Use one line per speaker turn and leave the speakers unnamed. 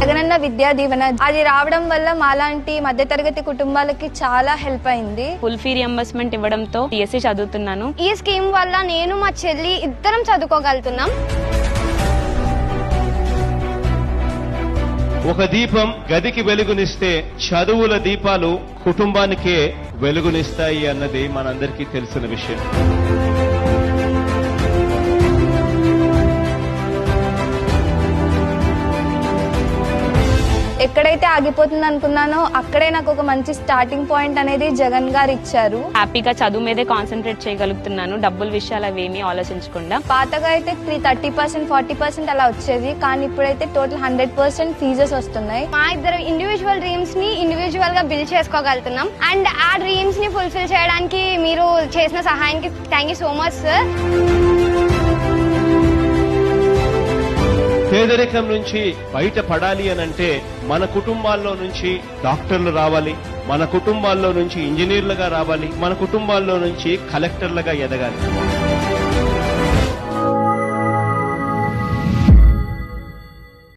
జగనన్న విద్యా దీవెన అది రావడం వల్ల మాలాంటి మధ్యతరగతి కుటుంబాలకి చాలా హెల్ప్ అయింది.
ఫుల్ ఫీ రియంబర్స్మెంట్ ఇవ్వడంతో TSC చదువుతున్నాను.
ఈ స్కీమ్ వల్ల నేను మా చెల్లి ఇద్దరం చదువుకోగలుగుతున్నాం.
ఒక దీపం గదికి వెలుగునిస్తే చదువుల దీపాలు కుటుంబానికే వెలుగునిస్తాయి అన్నది మనందరికీ తెలిసిన విషయం.
ఎక్కడైతే ఆగిపోతుంది అనుకున్నానో అక్కడే నాకు ఒక మంచి స్టార్టింగ్ పాయింట్ అనేది జగన్ గారు ఇచ్చారు.
హ్యాపీగా చదువు మీదే కాన్సన్ట్రేట్ చేయగలుగుతున్నాను, డబ్బుల విషయాలు అవేమీ ఆలోచించకుండా.
పాతగా అయితే 30% 40% అలా వచ్చేది, కానీ ఇప్పుడైతే టోటల్ 100% ఫీజెస్ వస్తున్నాయి.
మా ఇద్దరు ఇండివిజువల్ డ్రీమ్స్ ని ఇండివిజువల్ గా బిల్డ్ చేసుకోగలుగుతున్నాం. అండ్ ఆ డ్రీమ్స్ ని ఫుల్ఫిల్ చేయడానికి మీరు చేసిన సహాయానికి thank you so much sir.
పేదరికం నుంచి బయటపడాలి అనంటే మన కుటుంబాల్లో నుంచి డాక్టర్లు రావాలి, మన కుటుంబాల్లో నుంచి ఇంజనీర్లుగా రావాలి, మన కుటుంబాల్లో నుంచి కలెక్టర్లుగా ఎదగాలి.